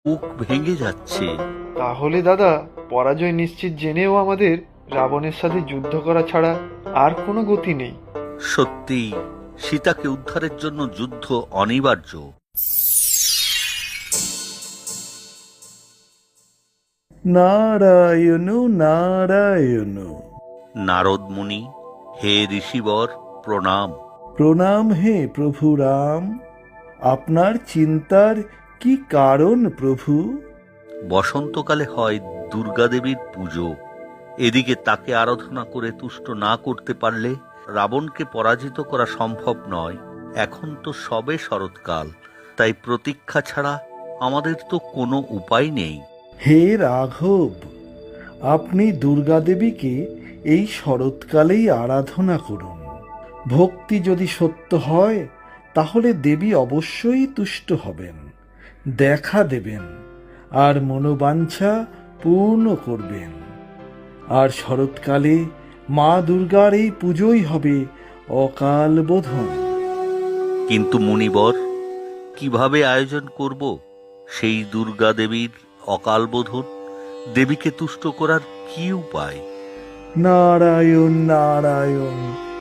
বুক ভেঙে যাচ্ছে। তাহলে দাদা, পরাজয় নিশ্চিত জেনেও আমাদের রাবণের সাথে যুদ্ধ করা ছাড়া আর কোনো গতি নেই। সত্যি, সীতাকে উদ্ধারের জন্য যুদ্ধ অনিবার্য। নারায়ণ নারায়ণ। নারদ মুনি, হে ঋষিবর, প্রণাম। প্রণাম হে প্রভু রাম। আপনার চিন্তার কি কারণ প্রভু? বসন্তকালে হয় দুর্গাদেবীর পুজো। এদিকে তাকে আরাধনা করে তুষ্ট না করতে পারলে রাবণকে পরাজিত করা সম্ভব নয়। এখন তো সবে শরৎকাল, তাই প্রতীক্ষা ছাড়া আমাদের তো কোনো উপায় নেই। হে রাঘব, আপনি দুর্গাদেবীকে এই শরৎকালেই আরাধনা করুন। ভক্তি যদি সত্য হয় তাহলে দেবী অবশ্যই তুষ্ট হবেন, দেখা দেবেন আর মনোবাঞ্ছা পূর্ণ করবেন। আর শরৎকালে মা দুর্গার এই পুজোই হবে অকাল বোধন। কিন্তু মুনিবর, কিভাবে আয়োজন করব সেই দুর্গা দেবীর অকাল বোধন? দেবীকে তুষ্ট করার কি উপায়? নারায়ণ নারায়ণ।